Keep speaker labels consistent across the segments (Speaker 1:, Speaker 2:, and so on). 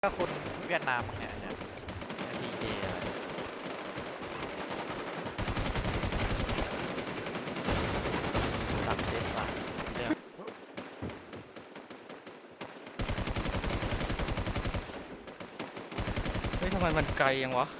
Speaker 1: ถ้าคนเวียดนามเนี่ยพีเจอะไรตัดเจ็ดบาทเรื่อง
Speaker 2: เฮ้ยทำไมมันไกลยังวะ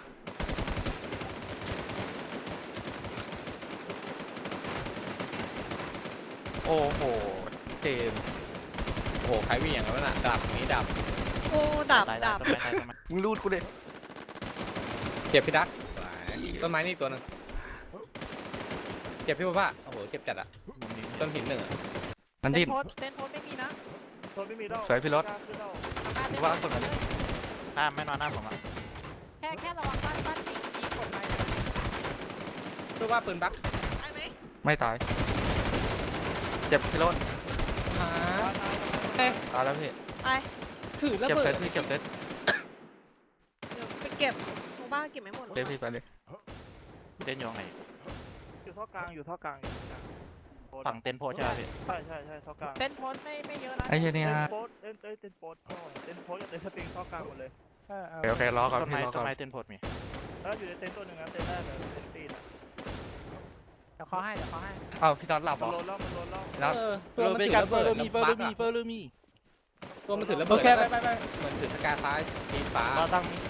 Speaker 2: โอ้โหเจมส์โอ้โหใครวิ่งอย่างนั้นน่ะดับนี้ดับ
Speaker 3: โอ้ดับ
Speaker 1: ตาย
Speaker 3: ดับ
Speaker 1: ทำไม
Speaker 2: มึงรูดกูเด็เจ็บพี่ดักต้นไม้นี่ตัวนึงเจ็บพี่ป้าโอ้โหเจ็บจัดอะต้นหินหนึ่งอะมันดิ้น
Speaker 4: เต้นโพสไม่มีนะ
Speaker 5: โทษไม่มีแล้ว
Speaker 2: สวยพี่รถ
Speaker 5: ขึ้นแล้ว
Speaker 2: ว่าคนนั้น
Speaker 1: หน้าไม่นอนหน้าผมอ่ะ
Speaker 4: แค่ระวังบ้านมีกฎหมาย
Speaker 2: พี่ว่าปืนบัก
Speaker 3: ได้ไหม
Speaker 2: ไม่ตายเจ็บพี่รถ
Speaker 5: ตาย
Speaker 2: ตายแล้วพี่
Speaker 3: ไป
Speaker 4: ถือระ
Speaker 2: เจ็บ
Speaker 4: เบิ
Speaker 2: เซ
Speaker 4: ด
Speaker 2: ตพี่เจ็บเซต
Speaker 3: เดี๋ยวไปเก็บตรงบ้านเก็บไม่หมด
Speaker 2: เจ็บพี่ไปเลย
Speaker 1: เต้นอยู่ไหน
Speaker 5: อยู่ท่อกลางอยู่ท่อกลางอยู่ท่อกลาง
Speaker 1: ฝั่งเต้นโพใช่ไหมพี่
Speaker 5: ใช่ท่อกลาง
Speaker 4: เต้นโพสไม่เยอะนะ
Speaker 2: ไอ้เหี้ยนี่
Speaker 5: เต้น
Speaker 2: ฮะ
Speaker 5: โพสเต้นโพสเต้นโพสกับเต้นสปริงท่อกลางหมดเลย
Speaker 2: โอเครอก่อน
Speaker 1: ต้น
Speaker 2: พี่
Speaker 1: ไม้
Speaker 2: รอ
Speaker 1: ต้
Speaker 2: ก่อน
Speaker 1: นไม้เต้นโพมี
Speaker 5: แล้วอยู่ในเต้นตัวหนึ่งนะเต้นแรกเลยเต้นตีนอ่ะ
Speaker 4: เดี๋ยวเขาให้
Speaker 2: อ้าวพี่น็อตหลับเหร
Speaker 5: มัน
Speaker 2: อ
Speaker 5: โดนแล้วมันโดนแล้ว
Speaker 2: น็อต
Speaker 6: ตัวมันถือระเบิดแล้วบั๊กอะ
Speaker 1: เฟอร์มี
Speaker 6: ตัวมันถือระ
Speaker 4: โอ
Speaker 6: เบิด
Speaker 4: เคไป
Speaker 6: เหมือนถือสกาฟ้าทีฟ้า
Speaker 1: เราตั้งมี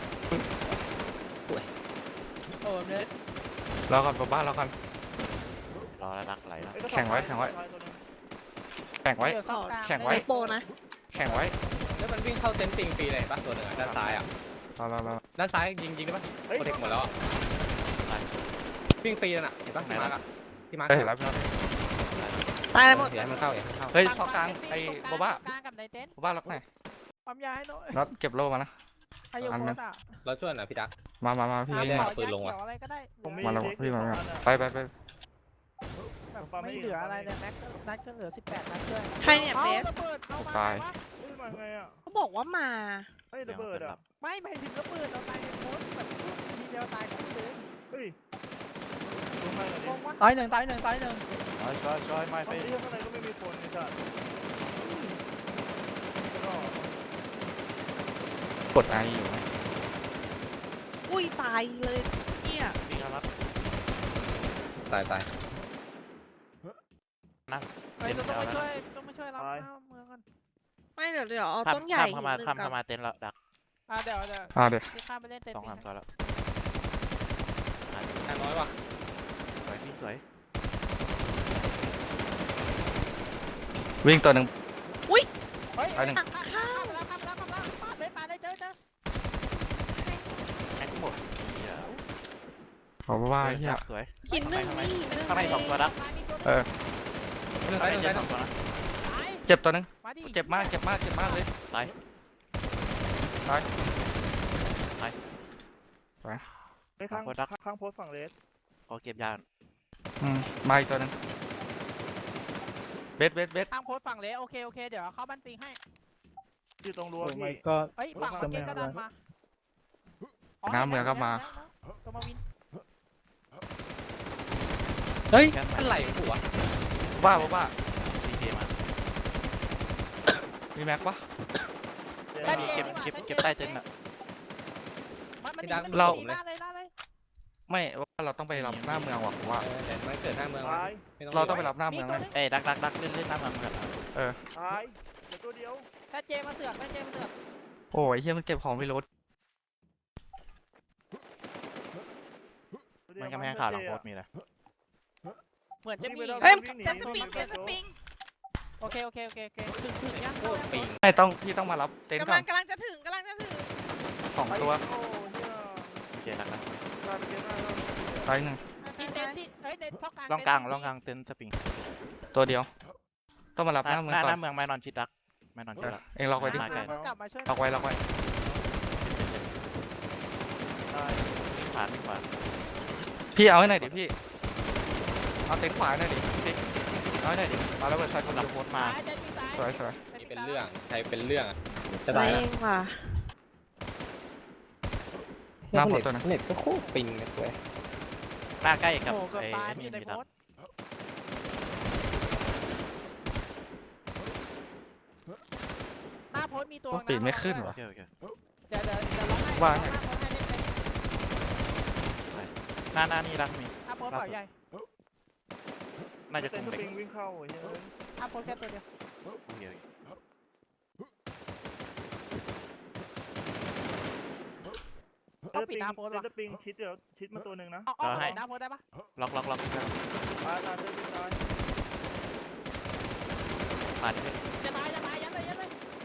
Speaker 4: โอ้เนี่ย
Speaker 2: รอก่อนป้ารอก่อน
Speaker 1: รอแล้วรักไหลแล้ว
Speaker 2: แข่งไว้ แข่งไว้ แข่งไว้ แข่งไว้
Speaker 3: ไอโปนะ
Speaker 2: แข่งไว้
Speaker 6: แล้วมันวิ่งเข้าเซนติงฟรีเลยปะตัวหนึ่งอะด้านซ้ายอะ
Speaker 2: รอ
Speaker 6: ด้านซ้ายยิงได้ปะโปรเทคหมดแล้วอะวิ่งฟรีนั่นอะเห็นปะที่มาร์กอะที่มาร์ก
Speaker 2: ได้เห็นแล้วพี่น็อต
Speaker 3: ตายหมด
Speaker 6: อย่าให้มันเข้าอย่าให้มันเข้า
Speaker 2: เฮ้ยเข้ากลางไอ้โบบ้า
Speaker 4: กลางกับในเต็นท์
Speaker 2: โบบ้าล็อกไหน
Speaker 4: ปั๊มยาให้หน่อย
Speaker 2: น็อตเก็บโล่มานะ
Speaker 4: ให้โยโคตะ
Speaker 6: เราช่วยหน่อยพี่ดัก
Speaker 2: มาพี่
Speaker 6: ไม่
Speaker 2: วิ่ง
Speaker 6: ได้
Speaker 2: มา
Speaker 6: เอาปืนลงว่ะ
Speaker 4: อะไรก็ได้
Speaker 5: ผมไม่
Speaker 2: มาแล้วพี่มาไป
Speaker 4: แบบไม่เหลืออะไรเลยแม็กนัดก็เหลือ18นัดด้วย
Speaker 3: ใครเนี่ยเบส
Speaker 4: ระเบิดเข้ามา
Speaker 2: ตาย
Speaker 4: วะ
Speaker 5: เฮ้ยมาไงอ่ะ
Speaker 3: เขาบอกว่ามา
Speaker 5: เฮ้ยระเบิดอ่ะ
Speaker 4: ไม่หมายถึงระเบิดเราตายในโพสแบบทีเดียวตายคู่เลย
Speaker 5: เฮ้ยลงมาหน่อย
Speaker 4: ง
Speaker 5: ดิ
Speaker 4: งวะตายหนึ่งไม่
Speaker 1: จอยไม่
Speaker 5: ต
Speaker 1: ไป
Speaker 5: อนนี้ข้างในก็ไม่มีคนนี่จ้ะก็
Speaker 2: กดไออยู่ไหม
Speaker 3: อุ้ยตายเลยเนี่ย
Speaker 1: วิ่งแล้วรับ
Speaker 6: ตาย
Speaker 4: เฮ้ยต้องมาช่วยรับเมืองกัน
Speaker 3: ไม่เดี๋ยวเอาต้นใหญ่
Speaker 1: ข้ามเข้ามาเต้นแล้วดัก
Speaker 4: เดี๋ยว
Speaker 2: เดี๋ยว
Speaker 4: ที่ข้ามไปเล่นเต็ม
Speaker 1: สองสามตัวแล้ว
Speaker 6: แค่น้อยว่ะ
Speaker 1: สวยพี่สวย
Speaker 2: วิ่งตัวหนึ่ง
Speaker 4: เฮ้ย
Speaker 2: ไปหนึ่ง
Speaker 4: ข้ามแล้วปาดเลยเจอ
Speaker 1: แม็กหมด
Speaker 2: ขอว่าเฮีย
Speaker 1: สวย
Speaker 3: หินหนึ่งนี่หนึ่ง
Speaker 1: ข้างในสองตัวดัก
Speaker 6: ซ้ายหนึ่ง
Speaker 1: เจ็
Speaker 6: ซ้ายหนึ่ง
Speaker 1: บสองตัวนะ
Speaker 2: เจ็บตัวหนึ่ง
Speaker 4: มาดิ
Speaker 2: เจ็บมากเลย
Speaker 1: ตาย
Speaker 5: ไปข้างโพสฝั่งเลส
Speaker 1: ขอเก็บยา
Speaker 2: มาอีกตัวหนึ่งเบส
Speaker 4: ทางโพสฝั่งเลยโอเคเดี๋ยวเข้าบ้านปิงให้
Speaker 5: อยู่ตรงรั้วพี่
Speaker 4: เฮ้ยฝั่งมาเก็ตก็ดันมาตัวมาวิน
Speaker 6: เฮ้ยอะไรหัว
Speaker 2: บ้า
Speaker 1: ดีเจมา
Speaker 2: มีแม็กปะ
Speaker 1: เก็บใต้เต็นท์อ่ะ
Speaker 4: ล่าเลย
Speaker 2: ไม่ว่าเราต้องไปรับหน้าเมืองว่ะผมว่า
Speaker 6: แต่มันเกิดหน้าเมือง
Speaker 5: ตาย
Speaker 2: เราต้องไปรับหน้าเมืองเลย
Speaker 1: เอ้ยดักเล่นน้ำมันกัน
Speaker 5: ตายเดี๋ยวตัวเดียว
Speaker 4: ถ้าเจมาเสือก
Speaker 2: โอ้ยเฮียมันเก็บของไม่ลด
Speaker 1: มันกำแพงข่าวหลังโพสมีเลย
Speaker 4: เหมือนจะมี
Speaker 3: เฮ้ยจะสปริงจะสปริง
Speaker 4: โอเคถึงยัง
Speaker 6: โคตรปิง
Speaker 2: ไม่พี่ต้องมารับเต็นท์ก่อน
Speaker 3: กำลังจะถึง
Speaker 2: สองตัว
Speaker 5: โอ้เฮีย
Speaker 1: โอเคดักนะ
Speaker 5: ตายไปเยอะมากแล้ว
Speaker 2: ตายหนึ่ง
Speaker 4: ที่เต็นที่เฮ้ยเต็นท่อกลาง
Speaker 1: ล่องกลางเต็นท์สปริง
Speaker 2: ตัวเดียว ต้องมารับ
Speaker 1: ห
Speaker 2: หน้าเมืองก่อ
Speaker 1: น้าน เมืองไม่นอนชิดดักไม่นอนชิดละ
Speaker 2: เองล็อกไว้ดิ
Speaker 4: กลับมาช่วย
Speaker 2: ล็อกไว้
Speaker 5: ตาย
Speaker 1: วิ่งขวา
Speaker 2: พี่เอาให้หน่อยดิพี่เอาเต็นท์ขวาหน่อยดิพี่เอาให้หน่อยดิมาแล้วเปิดไฟคน
Speaker 1: หลั
Speaker 2: ละ
Speaker 1: งโพสมา
Speaker 2: สวย
Speaker 6: นี่เป็นเรื่องใครเป็นเรื่องอะจะ
Speaker 3: เอ
Speaker 6: ตายแล้ว
Speaker 3: งว่ะ
Speaker 2: หน้าหมดตัวนะ
Speaker 6: เน็ตก็โคตรปิงเลย
Speaker 1: หน้าใกล้กับ
Speaker 4: โอ้เกือบ
Speaker 1: ไอ้
Speaker 4: ตาย
Speaker 1: นี่
Speaker 4: ที่ใน
Speaker 1: มี
Speaker 4: โพ
Speaker 1: ดัก
Speaker 4: ส หน้าโพสมีตัว
Speaker 2: ปีนไม่ขึ้น
Speaker 1: โอ
Speaker 2: วะ
Speaker 1: เค
Speaker 4: เดี๋ยวร้องให้
Speaker 7: ว่า
Speaker 4: ร้องให้โพสให้เล่นเลย
Speaker 7: หน้านี่รักมี
Speaker 4: ถ้าโพสเปล่าใหญ่
Speaker 7: น่าจะ
Speaker 5: เต้
Speaker 7: คุ
Speaker 5: น
Speaker 7: ม
Speaker 5: ส
Speaker 7: เด็ก
Speaker 5: ปริงวิ่งเข้าไอ้เหี้ย
Speaker 4: ถ้าโพสแค่ตัวเดียว
Speaker 7: เดียว
Speaker 4: ต้องปิดหน้าโพส
Speaker 5: เต้
Speaker 4: ว่ะ
Speaker 5: นสปริงชิดเดี๋ยวชิดมาตัวหนึ่งนะ
Speaker 4: เอาปิดหน้าโพสได้ปะ
Speaker 7: ล็อก
Speaker 5: ตายเต้นตาย
Speaker 7: ผ่านดิ
Speaker 4: อย่าตายยัดเลยยัดเลย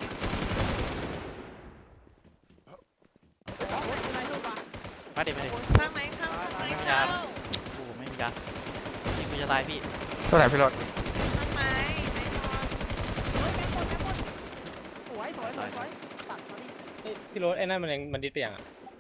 Speaker 4: โอ้ยอะไรลูกวะ
Speaker 7: มาดิ
Speaker 3: ข้างไหมข้างไหม
Speaker 7: ไม่มี
Speaker 3: ข้าย
Speaker 7: าง โอ้ไม่มียายิงกูจะตายพี่
Speaker 6: ตัวไหนพี่รถ
Speaker 3: ข้างไหมไม่นอน
Speaker 4: เฮ้ยแม่งหมดสวยตัดมาดิ
Speaker 2: เฮ้ยพี่รถไอ้นั่นมันดิสไปยังอ่ะ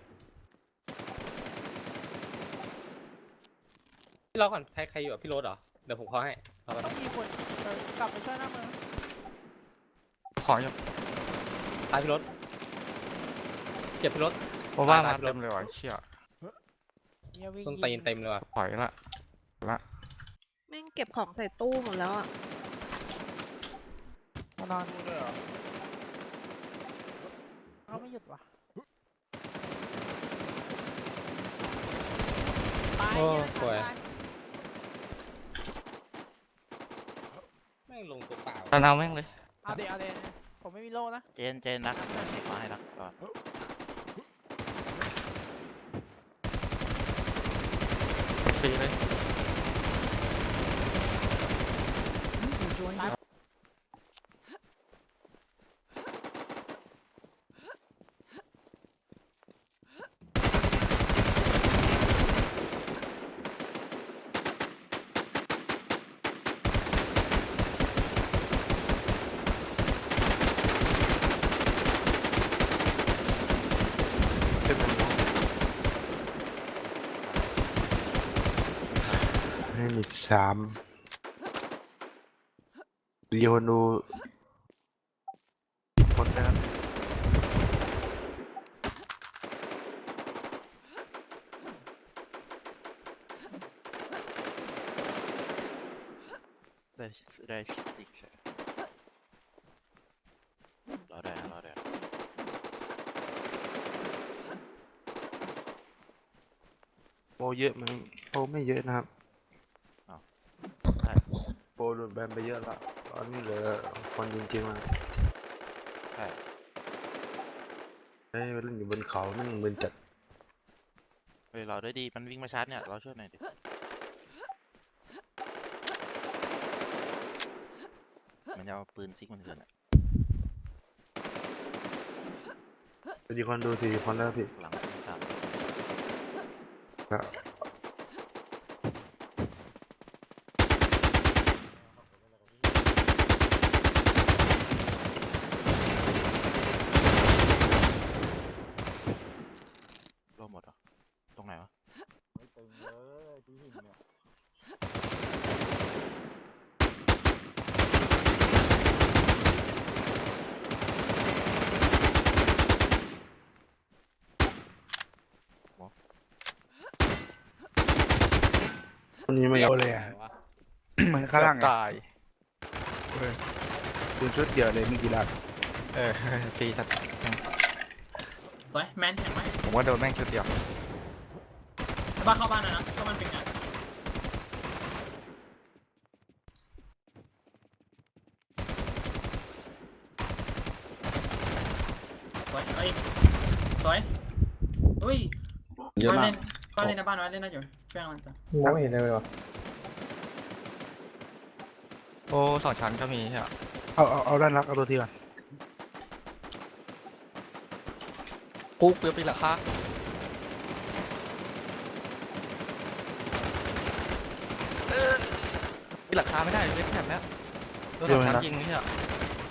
Speaker 2: พี่รอก่อนใครอยู่กับพี่รถเหรอเดี๋ยวผมขอให้รอก่อน
Speaker 4: ต้องมีคนกลับไปช่วยหน้าเมือง
Speaker 6: ขออยู่
Speaker 2: ตายพี่รถเจ็บพี่รถ
Speaker 6: เพราะว่ามาเต็มเลยว่ะเชี่ย
Speaker 2: ต้นตีนเต็มเลยว่ะ
Speaker 6: ปล่อยละ
Speaker 3: แม่งเก็บของใส่ตู้หมดแล้วอ่ะ
Speaker 4: มานอน
Speaker 5: ดูด้วยเหรอ
Speaker 4: เขาไม่หยุดว่ะตาย
Speaker 2: โอ้
Speaker 4: เยอะ
Speaker 2: สวย
Speaker 4: ตาย
Speaker 2: แม่งลงตัวเปล่า
Speaker 6: ตอนเอาแม่งเลย
Speaker 4: เอาเดี๋ยวผมไม่มีโล่นะ
Speaker 7: เจนรักมาให้รักก่อน
Speaker 6: ฟรีเลย
Speaker 8: ให้มี3เรียวนูคนนะครับ
Speaker 7: ได้อีกใช่รอได้
Speaker 8: โปรเยอะไหมโปรไม่เยอะนะครับโปรโดนแบนไปเยอะละตอนนี้เหลือคนจริงๆแล้ว
Speaker 7: ใช่
Speaker 8: เฮ้ยเล่นอยู่บนเขานั่งมึนจัด
Speaker 7: เฮ้ยเราได้ดีมันวิ่งมาชาร์จเนี่ยเราช่วยหน่อยดิมันจะเอาปืนซิกมันเกินอ่ะ
Speaker 8: มีคนดู4 คนแล้วพี่
Speaker 7: หลังตาม
Speaker 8: ครับ
Speaker 7: ร่วมหมดเหรอตรงไหนวะหมอ
Speaker 8: คนนี้ไม่เอาเลย
Speaker 2: ไหนวะ
Speaker 6: เหมือนข้างล่างตาย
Speaker 8: คุณชุดเดียวเลยไม่กี่ลัก
Speaker 6: ฟรีสัตว์
Speaker 9: สวยแมนเห็นไหม
Speaker 6: ผมว่าโดนแม่งชุดเดียว
Speaker 9: บ้านเข้าบ้านนะเข้าบ้านเป็นไงสวยเอ้ยสวยอุ้ย
Speaker 6: เยอะ
Speaker 9: บ้าน
Speaker 6: มา
Speaker 9: เล่
Speaker 6: ก
Speaker 9: นบ้านเล่นนะบ้านไว้เล่นนะอยู่เพื่อนมันจ้ะ
Speaker 2: ไม่เห็นเลยวะ
Speaker 6: โอ้2 ชั้นก็มีใช่ไหม
Speaker 8: เอาด้านรักเอาตัวทีก่อน
Speaker 6: ปุ๊บเปลือกปีละค่าปีละค่าไม่ได้เล็กแถบเนี้ยโดน2 ชั้นยิงนี่อ่ะ